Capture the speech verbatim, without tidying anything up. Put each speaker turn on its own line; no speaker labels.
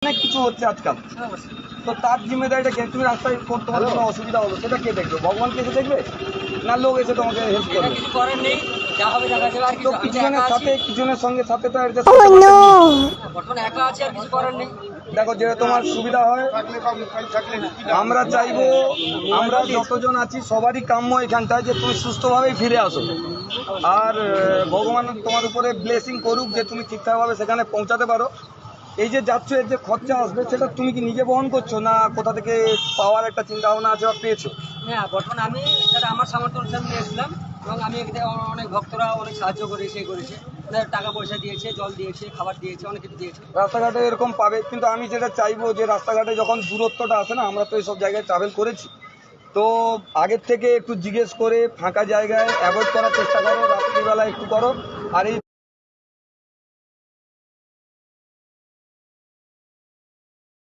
অনেক কিছু হচ্ছে আজকাল, তো তার জিম্মেদারিটা কে? তুমি রাস্তায় তোমার কোনো অসুবিধা হলো সেটা কে দেখবে? ভগবান কে এসে দেখবে, না লোক এসে তোমাকে হেল্প করবে?
কিছু করার নেই, যা হবে দেখা যাবে। আর
তো
কিছু
কিছু জনের সাথে কিছু জনের সঙ্গে সাথে তো adjust
Oh
করতে পারবে না।
no!
বর্তমানে একা আছে, আর কিছু করার নেই।
দেখো যেটা তোমার সুবিধা হয়, আমরা চাইবো আমরা যতজন আছি সবারই কাম্য এখানটায় যে তুমি সুস্থভাবেই ফিরে আসো, আর আহ, ভগবান তোমার উপরে ব্লেসিং করুক যে তুমি ঠিকঠাকভাবে সেখানে পৌঁছাতে পারো। এই যে যাচ্ছ এর যে খরচা আসবে সেটা তুমি কি নিজে বহন করছো, না কোথা থেকে পাওয়ার একটা চিন্তা ভাবনা আছে বা পেয়েছো?
হ্যাঁ, বর্তমানে আমি সেটা আমার সামর্থ্য অনুসারে নিয়েছিলাম, এবং আমি এখানে অনেক ভক্তরা অনেক সাহায্য করেছে, এ করেছে, ওদের টাকা পয়সা দিয়েছে, জল দিয়েছে, খাবার দিয়েছে, অনেক কিছু দিয়েছে।
রাস্তাঘাটে এরকম পাবে, কিন্তু আমি যেটা চাইবো যে রাস্তাঘাটে যখন দূরত্বটা আসে না, আমরা তো এইসব জায়গায় ট্রাভেল করেছি, তো আগের থেকে একটু জিজ্ঞেস করে ফাঁকা জায়গায় অ্যাভয়েড করার চেষ্টা করো, রাত্রিবেলা একটু করো। আর এই